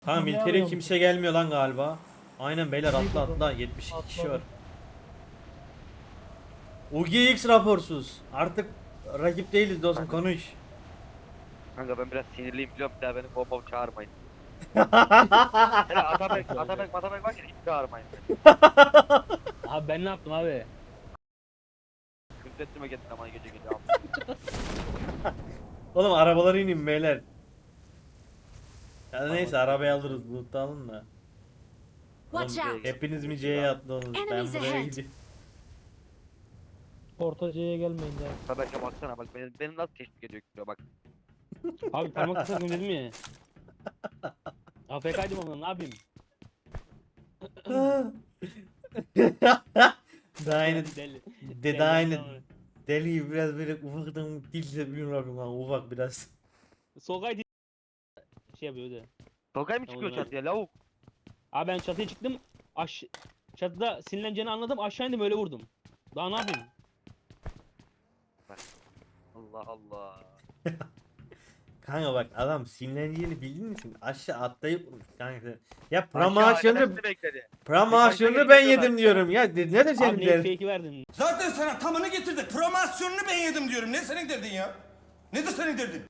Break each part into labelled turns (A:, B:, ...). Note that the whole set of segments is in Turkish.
A: Kanka
B: Ne
A: miltere
B: arıyorsun?
A: kimse gelmiyor lan galiba. Aynen beyler
B: Neydi
A: atla
B: bu?
A: atla 72 kişi var.
B: Atladı.
A: UGX raporsuz. Artık rakip değiliz dostum konuş.
C: Kanka ben biraz sinirliyim biliyorum, bir daha beni bomba çağırmayın. Hele Atabek var ya, hiç çağırmayın beni.
D: Abi ben ne yaptım abi?
C: Küfrettirme getir ama gece gece abi.
A: Oğlum arabalara inin beyler. Ya neyse
C: Tamam.
A: arabayı alırız loot alın da. Oğlum
E: Watch out!
A: hepiniz mi C'ye atladınız? Ben
E: Enemies
A: buraya
E: ahead.
A: gidiyorum.
B: Ortaca'ya gelmeyin de.
C: Atabek'e baksana bak, beni nasıl teşvik ediyor gidiyor bak.
D: Abi parmak ısırdım dedim ya. AFK'ydım ama ne yapayım?
A: Daha yeni
D: Deli.
A: daha yeni
D: Tamam.
A: deli gibi biraz böyle ufaktan dilse bilmiyorum lan ufak biraz.
D: Solkay değil. Şey yapıyordu.
C: Tokay mı
D: Tamam,
C: çıkıyor
D: ben-
C: çatıya lavuk?
D: Abi ben çatıya çıktım. Çatıda sinirleneceğini anladım. Aşağı indim öyle vurdum. Daha ne yapayım?
C: Allah Allah.
A: Kanka bak adam sinirleneceğini bildiğin için aşağı atlayıp vurmuş kanka. Ya
C: Aşağı
A: promosyonu
C: arkadaşını bekledi.
A: promosyonu
C: Başka
A: ben
C: geri
A: yedim
C: geliyorlar.
A: diyorum ya ne de
D: Abi
A: senin
D: ne
A: derdin?
D: fake'i verdin?
F: Zaten sana tamını getirdik. Promosyonunu ben yedim diyorum. Ne senin derdin ya? Nedir senin derdin?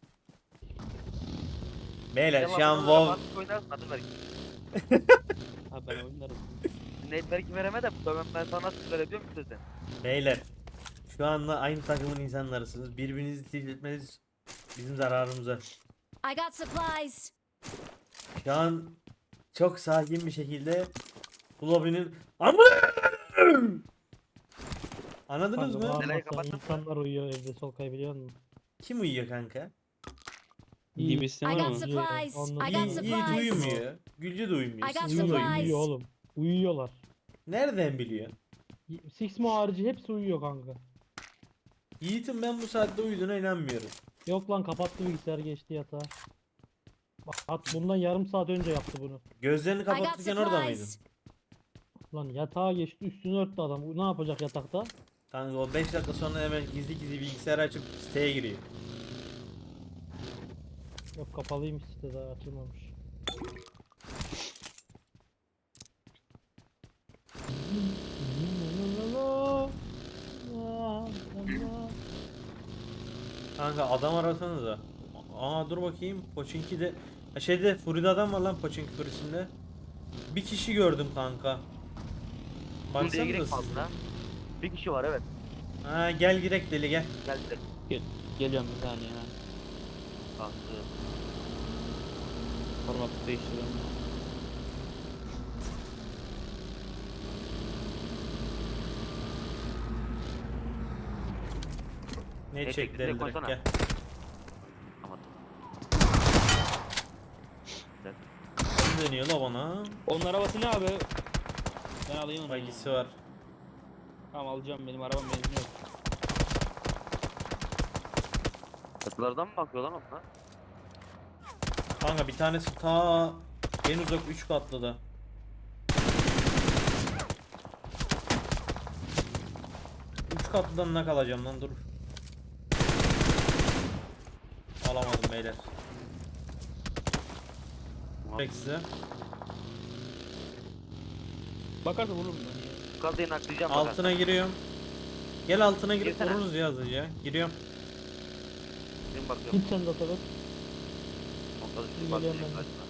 A: Beyler şu an
C: Devamlı
A: WoW
C: mantık oynarsın, adı ver.
D: Abi ben oynarım.
C: Network'i vereme de ben sana nasıl verebiliyor musun sen?
A: beyler şu anda aynı takımın insanlarısınız. Birbirinizi tilt etmeniz bizim zararımıza.
E: I got supplies!
A: Şu an çok sakin bir şekilde bu lobinin Anladınız
B: Kanka,
A: mı?
B: bağırmasa
C: Neler kapattın mı?
B: insanlar uyuyor evde Solkay biliyor musun?
A: Kim uyuyor kanka?
B: İyi.
D: Gibi sistem
E: I
D: var
E: got
D: mı?
E: supplies!
B: Ondan
E: I
B: iyi-
E: got
A: Yiğit
E: supplies!
A: uyumuyor. Gülce de uyumuyor.
E: I got
A: Sizin de
B: Uyuyor,
A: uyumuyor.
E: supplies.
B: uyuyor oğlum. Uyuyorlar.
A: Nereden biliyor?
B: Sixmo harici hepsi uyuyor kanka.
A: Yiğit'in ben bu saatte uyuduğuna inanmıyorum.
B: Yok lan kapattı bilgisayar geçti yatağa. Bak bundan yarım saat önce yaptı bunu.
A: Gözlerini
E: I got
A: kapatırken orada mıydın?
E: supplies!
B: Lan yatağa geçti üstünü örttü adam. Bu ne yapacak yatakta?
A: Kanka o 5 dakika sonra hemen gizli gizli bilgisayarı açıp siteye giriyor.
B: Yok kapalıymış site daha açılmamış.
A: Kanka adam arasanıza. Aa dur bakayım. Pochinki'de şeyde Furi'de adam var lan Pochinki Furi'sinde. Bir kişi gördüm kanka.
C: Dur diye
A: Baksanıza
C: gerek
A: siz.
C: fazla. Bir kişi var evet.
A: Ha gel girek deli gel.
C: Geldi.
D: Geliyorum bir saniye ya.
C: Kalktı.
D: Format değiştiriyorum.
A: Ne
C: Ne
A: çek
C: çekti,
A: deli
C: direkt
A: direkt
C: koysana.
A: gel.
C: Ama
A: Kim dönüyor la bana?
D: Onun arabası ne abi? Ben alayım onu.
A: Bagisi var.
D: Tamam alacağım, benim arabam benzin yok.
C: çatılardan mı bakıyor lan onlar?
A: Kanka bir tanesi ta en uzak 3 katlı da. Üç katlıdan ne kalacağım lan dur. Alamadım beyler. Peki size.
D: Bakarsa vururum ben ya.
C: Bu kadını naklayacağım
A: Altına giriyorum. Gel altına girip
C: Girsene.
A: vururuz ya hızlıca. Giriyorum.
C: Benim bakıyorum.
B: Git sen de tabii.
C: Montaj
B: Geliyorum
C: üstü bakacağım
B: ben de.
C: karşıma.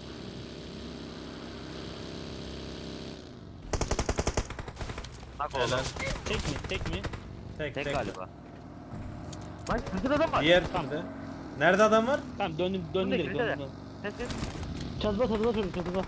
C: Nak
A: Helal.
C: oğlum.
D: Tek mi? Tek mi?
A: Tek
C: Tek
A: tek.
C: galiba. Lan sizin adam var.
A: Diğer
D: Tamam.
A: türde. Nerede adam var?
D: Tamam döndüm
C: Önde,
D: direkt
C: önde de.
D: döndüm.
C: Ses.
B: Çatıda çocuk çatıda.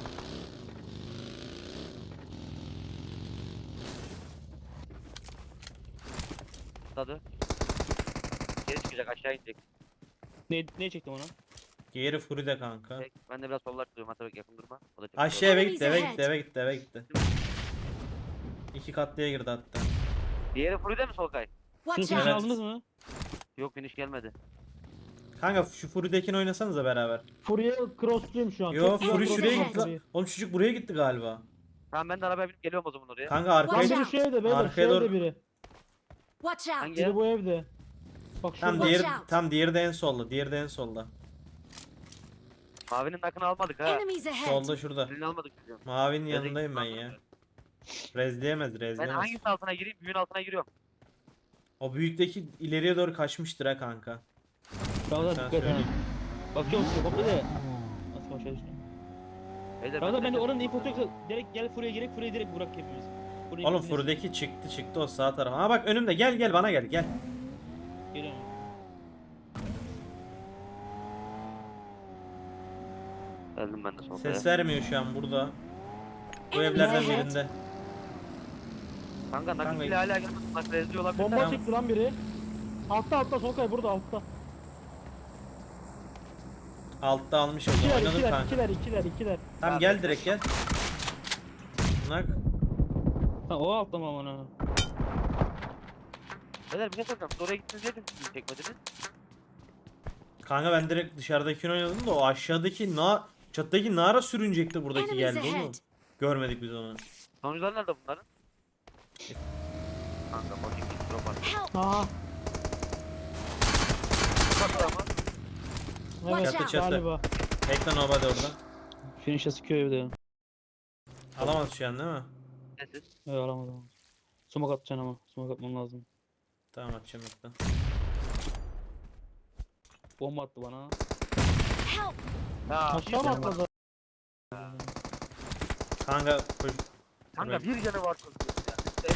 C: Tadı. Geri çıkacak, aşağı inecek.
D: Ne çektim ona?
A: Diğeri Furi'de kanka.
C: Tek. Ben de biraz sollar tutuyorum. Hatta yakın durma. O da çok
A: Aşağı eve
E: Enemies
A: gitti eve
E: ahead.
A: gitti eve gitti eve gitti. İki katlıya girdi hatta.
C: Diğeri Fury'de mi Solkay?
D: Şunu
E: Watch
D: finish
A: Evet.
E: out!
D: aldınız mı?
C: Yok, finish gelmedi.
A: Kanka şu Furi'dekini oynasanıza beraber.
B: Furya cross'luyum şu an.
A: Yo
B: Çok güzel
A: Furi
E: cross
A: şuraya
E: ahead.
A: gitti lan. Oğlum çocuk buraya gitti galiba.
C: Tamam, ben de arabaya binip geliyorum o zaman oraya.
A: Kanka arkaya
E: Watch
B: Biri
E: out.
B: şu evde beyler şu
A: Arkaya doğru-
B: evde biri.
E: Watch out!
C: Hangi
B: Biri
C: ev?
B: bu evde. Bak
A: tam
B: şurada.
A: diğeri
E: Watch out.
A: tam diğeri de en solda. Diğeri de en solda.
C: Mavinin nakını almadık ha.
E: Enemies ahead!
A: Solda şurada.
C: Birini almadık biz.
A: Mavinin
C: Rezil
A: yanındayım ben ya. Rezleyemez
C: Ben
A: rezleyemez.
C: hangisi altına gireyim? Büyüğün altına giriyorum.
A: O büyükteki ileriye doğru kaçmıştır ha kanka.
D: Ramazan
A: Sen
D: dikkat ha.
A: söyle.
D: Bakıyorum size koptu de. Nasıl aşağı düştüm.
C: Beyler,
D: Ramazan ben de
C: de
D: oranın infosu yoksa direkt gel Furi'ye girek Furi'ye direkt bırak hepimiz. Furi'ye
A: Oğlum
D: hepimiz-
A: furdaki çıktı o sağ tarafa. Ha bak önümde gel bana gel.
D: Geliyorum.
C: Geldim ben de sonunda.
A: Ses vermiyor şu an burada. Bu
E: Enemies
A: evlerden
E: ahead!
A: birinde.
C: Kanka nakit
A: Kanka-
C: bile hala gelmedi. Nakit rezil olabilir.
B: Bomba
A: Tamam.
B: çekti lan biri. Altta Solkay burada altta.
A: Altta almış o zaman.
B: İkiler
A: Oynadım
B: ikiler
A: kanka.
B: ikiler.
A: Tamam gel direkt gel. Nak.
D: Ha o altta mı aman ha?
C: Beyler bir şey soracağım. Siz oraya gittiniz diye siz çekmediniz.
A: Kanka ben direkt dışarıdakini oynadım da o aşağıdaki çattaki nara sürünecekti buradaki
E: Enemies
A: geldi oğlum.
E: ahead!
A: Görmedik biz onu.
C: Sonuçlar nerede bunların? Kanka bakayım bir drop var.
E: Help!
B: Aha.
C: Kapatır ama.
B: Evet
E: Watch out.
A: Çatı.
B: galiba.
A: Bekle nobody orada.
D: Finish'e sıkıyor evde ya.
A: Alamaz şu an değil mi?
C: Sessiz.
D: Evet alamadım. Sumak atacaksın ama. Sumak atman lazım.
A: Tamam atacağım bekle.
D: Bomba attı bana.
E: Help!
C: Ya,
B: Aşağı mı atladı?
A: Kanka koş.
C: kanka bir canı var çocuğun ya.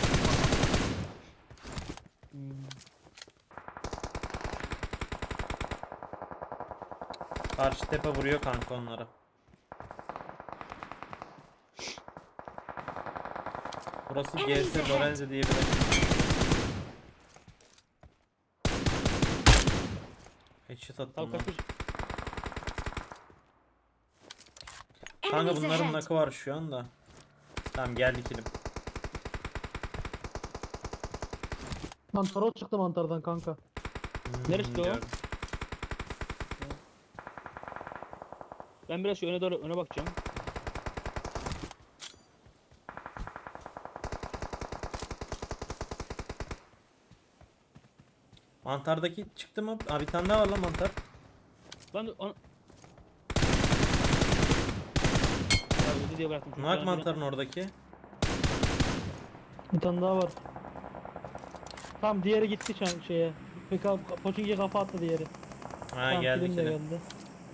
D: Hmm.
A: Karşı tepe vuruyor kanka onlara. Burası
E: Enemies
A: GS
E: ahead.
A: Lorenzo diye bir yer. Headshot attım
D: Tamam
A: lan.
D: kaç.
A: Kanka
E: Enemies
A: bunların
E: ahead!
A: nakı var şu anda. Tamam geldik ilim.
B: Lan Toro çıktı mantardan kanka.
D: Neresi o?
A: gördüm.
D: Ben biraz şu öne doğru öne bakacağım.
A: Mantardaki çıktı mı? Abi bir tane daha var lan mantar.
D: Lan ya öldü diye bıraktım. çünkü
A: Nak
D: ben
A: mantarın oradaki.
B: Bir tane daha var. Tamam diğeri gitti şeye. Poçinki'ye kafa attı diğeri.
A: Ha
B: Tamam
A: geldik
B: film de
A: yine.
B: geldi.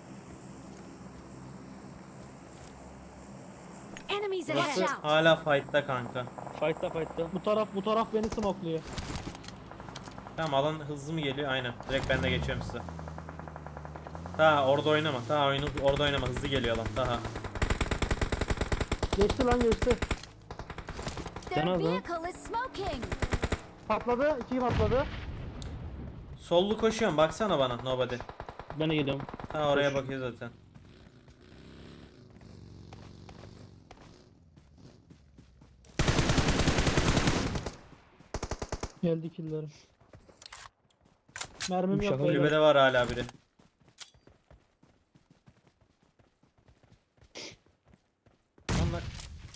E: Enemies
A: Burası
E: ahead! Out!
A: hala fight'ta kanka.
D: Fight'ta.
B: Bu taraf beni smokluyor.
A: Tamam alan hızlı mı geliyor? Aynen. Direkt ben de geçiyorum size. Ta orada oynama. Ta oyunu orada oynama. Hızlı geliyor alan. Daha.
B: Geçti lan geçti.
E: Their
D: Yanaz lan.
E: vehicle is smoking!
B: Patladı. İki patladı.
A: Sollu koşuyorum. Baksana bana. Nobody.
D: Ben de geliyorum.
A: Ta oraya bakıyor zaten.
B: Geldi killerim. Mermim yok
D: Şaka
B: beyler.
A: Kulübede var hala biri. Lan lan.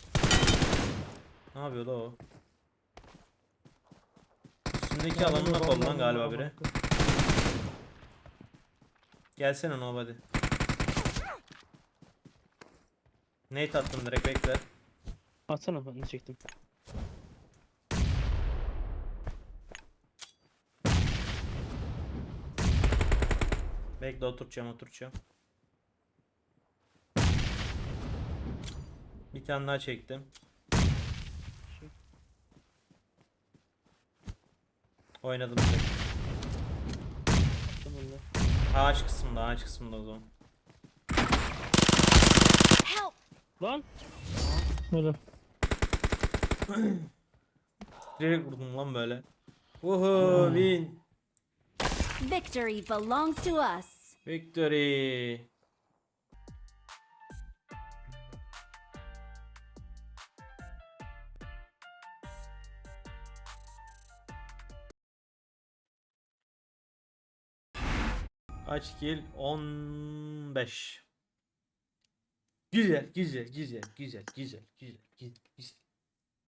A: Ne yapıyor da o? Üstündeki
B: Mermim
A: alanına
B: yok,
A: kol lan
B: Allah'ım
A: galiba
B: ya,
A: biri.
B: bak.
A: Gelsene nobody. Nate attım direkt bekle.
D: Atsana ben de çektim.
A: Bekle oturacağım. Bir tane daha çektim. Oynadım direkt.
D: Attım öyle.
A: Ağaç kısmında o zaman.
E: Help!
D: Lan.
B: Öyle.
A: Direkt vurdum lan böyle. Uhu win.
E: Victory belongs to us!
A: Victory. Kaç kill? 15. Güzel.